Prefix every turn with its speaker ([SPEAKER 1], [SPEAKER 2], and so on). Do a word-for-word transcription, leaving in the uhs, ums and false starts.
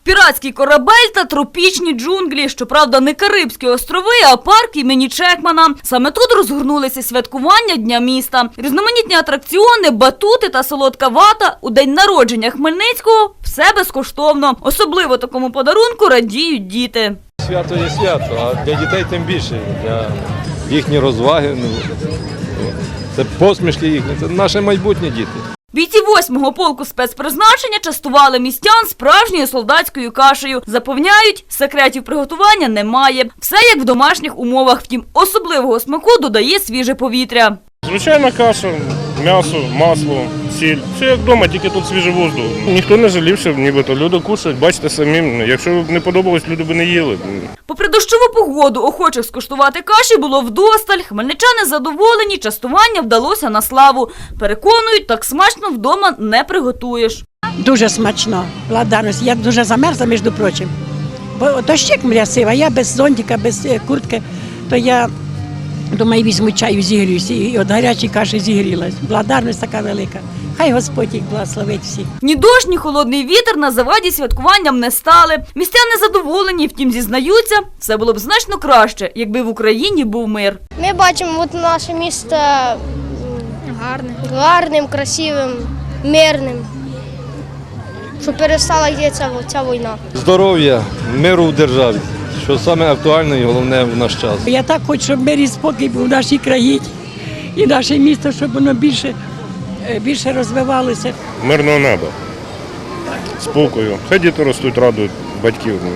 [SPEAKER 1] Піратський корабель та тропічні джунглі. Щоправда, не Карибські острови, а парк імені Чекмана. Саме тут розгорнулися святкування Дня міста. Різноманітні атракціони, батути та солодка вата у день народження Хмельницького – все безкоштовно. Особливо такому подарунку радіють діти.
[SPEAKER 2] Свято є свято, а для дітей тим більше. Для їхні розваги, це посмішки їхні, це наше майбутнє діти.
[SPEAKER 1] Бійці восьмого полку спецпризначення частували містян справжньою солдатською кашею. Запевняють, секретів приготування немає. Все як в домашніх умовах. Втім, особливого смаку додає свіже повітря.
[SPEAKER 3] Звичайна каша, м'ясо, масло, сіль. Все як вдома, тільки тут свіжий воздух. Ніхто не жалівся, нібито люди кушають, бачите самі. Якщо б не подобалось, люди б не їли.
[SPEAKER 1] Попри дощову погоду, охочих скуштувати каші було вдосталь. Хмельничани задоволені, частування вдалося на славу. Переконують, так смачно вдома не приготуєш.
[SPEAKER 4] Дуже смачно, благодарність. Я дуже замерзла, між прочим. Бо дощик мрясив, а я без зонтика, без куртки, то я думаю, візьму чаю, зігріюся, і від гарячої каші зігрілась. Благодарність така велика. Хай Господь їх благословить всіх.
[SPEAKER 1] Ні дощ, ні холодний вітер на заваді святкуванням не стали. Містяни задоволені, втім зізнаються, все було б значно краще, якби в Україні був мир.
[SPEAKER 5] Ми бачимо от наше місто гарним, гарним, красивим, мирним, щоб перестала йдеться ця війна.
[SPEAKER 2] Здоров'я, миру в державі, що саме актуальне і головне в наш час.
[SPEAKER 4] Я так хочу, щоб мир і спокій був в нашій країні і наше місто, щоб воно більше, більше розвивалося.
[SPEAKER 3] Мирного неба, спокою. Хай діти ростуть, радують батьків.